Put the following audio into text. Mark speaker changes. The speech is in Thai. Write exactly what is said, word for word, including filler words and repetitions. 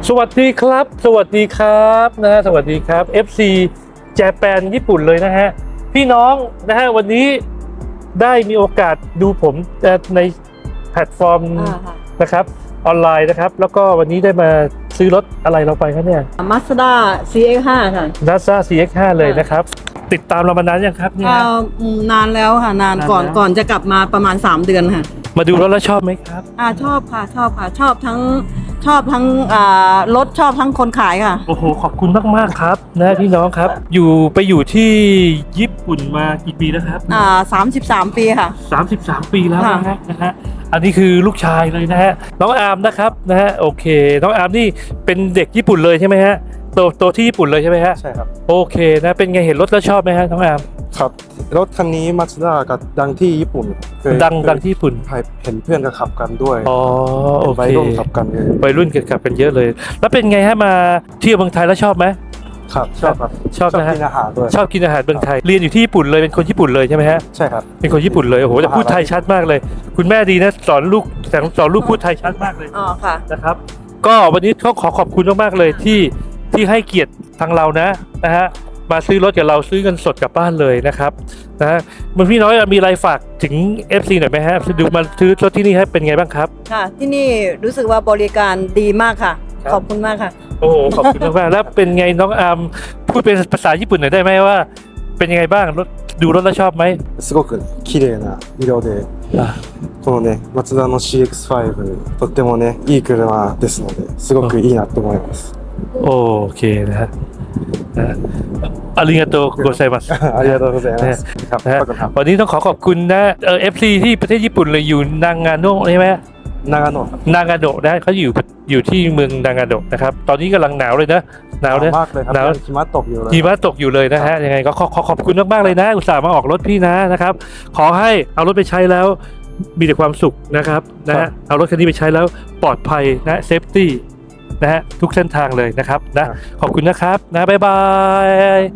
Speaker 1: สวัสดีครับสวัสดีครับนะฮะสวัสดีครับ เอฟ ซี Japan ญี่ปุ่นเลยนะฮะพี่น้องนะฮะวันนี้ได้มีโอกาสดูผมในแพลตฟอร์มนะครับออนไลน์นะครับแล้วก็วันนี้ได้มาซื้อรถอะไรเราไปครับเนี่ย
Speaker 2: Mazda ซี เอ็กซ์ ไฟว์ ค่ะ
Speaker 1: Mazda ซี เอ็กซ์ ไฟว์ เลยนะครับติดตามเรามานานยังครับเนี่ย
Speaker 2: อ่าอืมนานแล้วค่ะนานก่อน
Speaker 1: นานแล้ว
Speaker 2: ก่อนจะกลับมาประมาณสามเดือนค่ะ
Speaker 1: มาดูรถแล้วชอบไหมครับ
Speaker 2: อ่าชอบค่ะชอบค่ะชอบทั้งชอบทั้งอ่ารถชอบทั้งคนขายค่ะ
Speaker 1: โอ้โหขอบคุณมากๆครับนะพี่น้องครับอยู่ไปอยู่ที่ญี่ปุ่นมากี่ปีแล้วครับ
Speaker 2: อ่าสามสิบสามปีค่ะ
Speaker 1: สามสิบสามปีแล้วนะ
Speaker 2: ค่ะ
Speaker 1: ฮะนะฮะ อันนี้คือลูกชายเลยนะฮะ น้องอาร์มนะครับนะฮะ โอเค น้องอาร์มนี่เป็นเด็กญี่ปุ่นเลยใช่ไหมฮะ โตโตที่ญี่ปุ่นเลยใช่ไหมฮะ
Speaker 3: ใช่ครับ
Speaker 1: โอเคนะ เป็นไงเห็นรถแล้วชอบไหมฮะน้องอาร์ม
Speaker 3: ครับรถคันนี้มาสด้ากับดังที่ญี่ปุ่นเคย
Speaker 1: ดังดังที่ญี่ปุ่น
Speaker 3: เคยเห็นเพื่อนก็ขับกันด้วย
Speaker 1: อ๋อ โอ
Speaker 3: เป็น
Speaker 1: เค
Speaker 3: วัยรุ่นขับกันเลย
Speaker 1: วัยรุ่นเกิดขับกันเยอะเลย แล้วเป็นไงฮะมาเที่ยวเมืองไทยแล้วชอบไหม
Speaker 3: ครับชอบครับ
Speaker 1: ชอบนะฮะ
Speaker 3: กินอาหารด้วย
Speaker 1: ชอบกินอาหารเมืองไทย เรียนอยู่ที่ญี่ปุ่นเลย เป็นคนญี่ปุ่นเลยใช่ไหมฮะ
Speaker 3: ใช่ครับ
Speaker 1: เป็นคนญี่ปุ่นเลย โอ้โหแต่พูดไทยชัดมากเลย คุณแม่ดีนะสอนลูกสอนลูกพูดไทยชัดมากเลย
Speaker 2: อ๋อค่ะ
Speaker 1: นะครับก็วันนี้เขาขอขอบคุณมากๆเลยที่ที่ให้เกียรติทางเรานะนะฮะมาซื้อรถกับเราซื้อเงินสดกลับบ้านเลยนะครับนะฮะมันพี่น้อยมีอะไรฝากถึง เอฟ ซี หน่อยไหมฮะดูมาซื้อรถที่นี่ให้เป็นไงบ้างครับ
Speaker 2: ค่ะที่นี่รู้สึกว่าบริการดีมากค่ะ
Speaker 1: ครับ
Speaker 2: ขอบคุณมากค่ะ
Speaker 1: โอ้โหขอบคุณมากๆแล้วเป็นไงน้องอาร์มพูดเป็นภาษาญี่ปุ่นหน่อยได้ไหมว่า เป็นยังไงบ้างรถดูรถแล้วชอบไหม
Speaker 3: すごく綺麗な色でこのねマツダの ซี เอ็กซ์ ไฟว์ とってもねいい車ですのですごくいいなと思います
Speaker 1: โอเคนะฮะนะฮะอาริงาโตโกไซมัส
Speaker 3: ありがとうございますครับ
Speaker 1: นะฮะ
Speaker 3: ขอบคุณครับ
Speaker 1: วันนี้ต้องขอขอบคุณนะเออฟซีที่ประเทศญี่ปุ่นเลยอยู่นางาโนะใช่ไหม
Speaker 3: 長野ครับ
Speaker 1: นางาโดะนะเขาอยู่อยู่ที่เมืองนางาโดะนะครับตอนนี้กำลังหนาวเลยนะหนาวนะ
Speaker 3: มากเลยครับ
Speaker 1: หนาว
Speaker 3: หิมะตกอยู่เลย
Speaker 1: หิมะตกอยู่เลยนะฮะยังไงก็ขอขอขอบคุณมากๆเลยนะ อุตส่าห์มาออกรถพี่นะนะครับขอให้เอารถไปใช้แล้วมีแต่ความสุขนะครับนะฮะเอารถคันนี้ไปใช้แล้วปลอดภัยนะเซฟตี้นะฮะทุกเส้นทางเลยนะครับนะขอบคุณนะครับนะบ๊ายบาย